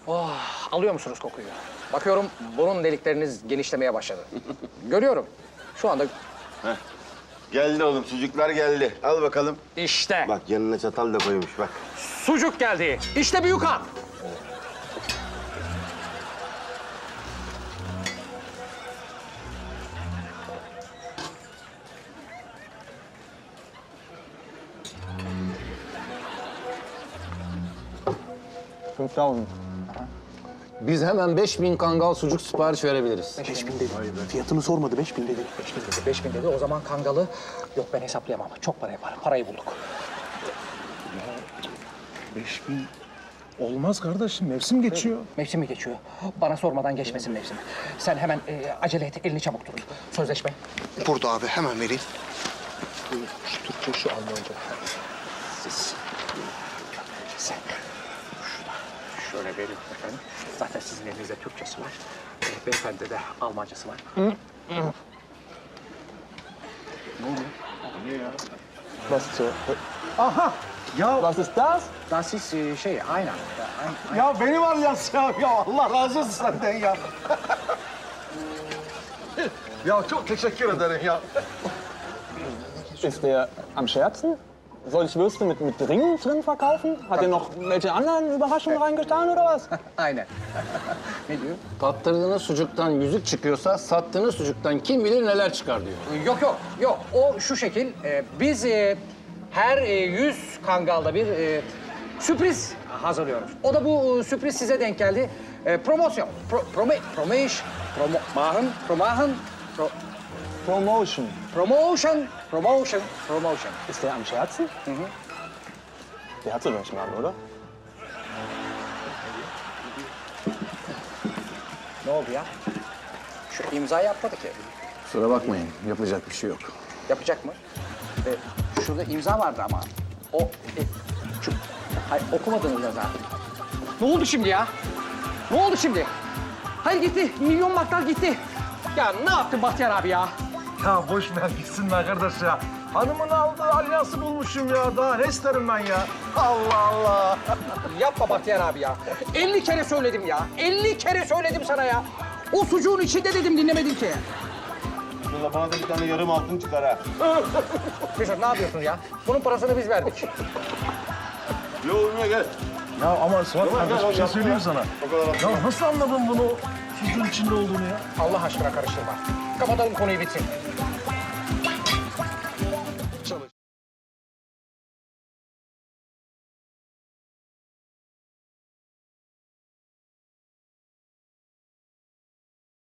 Oh, alıyor musunuz kokuyu? Bakıyorum burun delikleriniz genişlemeye başladı. Görüyorum. Şu anda Geldi oğlum, sucuklar geldi. Al bakalım. işte Bak yanına çatal da koymuş bak. sucuk geldi. İşte büyük han. Biz hemen 5000 kangal sucuk sipariş verebiliriz. 5000 dedi. Fiyatını sormadı, 5000 dedi. 5000 dedi. O zaman kangalı... Yok ben hesaplayamam. Çok para yapar. Parayı bulduk. 5000 olmaz kardeşim, mevsim geçiyor. Mevsim mi geçiyor? Bana sormadan geçmesin mevsimi. Sen hemen acele et. Elini çabuk tut. Sözleşme. Burada abi, hemen vereyim. Şu Türkçe şu Almanca. Siz. Sen. Şöyle verin efendim. Zaten sizin elinizde Türkçesi var. Beyefendi de Almancası var. Was zur... Aha! Ya, Was ist das? Das ist aynen. ya benim alyans ya. Ya Allah razı olsun senden ya. Ya çok teşekkür ederim ya. Ist der am Scherzen? Soll ich Würste mit Ringen drin verkaufen? Hat er noch welche anderen Überraschungen reingetan oder was? Aynen. Ne diyor? Tattırdığınız sucuktan yüzük çıkıyorsa sattığınız sucuktan kim bilir neler çıkar diyor. Yok. O şu şekil. Biz her 100 kangalda bir sürpriz hazırlıyoruz. O da bu sürpriz size denk geldi. Promosyon. Promotion. Ist der am Scherzen? Der hat so welchen Namen, oder? Ne oldu ya? Şu imzayı yapmadı ki. Kusura bakmayın, yapacak bir şey yok. Yapacak mı? Şurada imza vardı ama. O... hayır, okumadınız yazar. Ne oldu şimdi ya? Ne oldu şimdi? Hayır gitti. Milyon marklar gitti. Ya ne yaptın Bahtiyar abi ya? Ya boş ver gitsin be kardeş ya. Hanımın aldığı alyansı bulmuşum ya. Daha ne isterim ben ya? Allah Allah. Yapma Bahtiyar abi ya. 50 kere söyledim ya. 50 kere söyledim sana ya. O sucuğun içinde dedim dinlemedin ki. Şurada bana da bir tane yarım altın çıkar ha. Mesut ne yapıyorsun ya? Bunun parasını biz verdik. Yoluna gel. Ya ama Suat kardeş bir şey söyleyeyim sana. O kadar Ya nasıl anladın bunu sucuğun içinde olduğunu ya? Allah aşkına karıştırma. Kapatalım konuyu bitsin.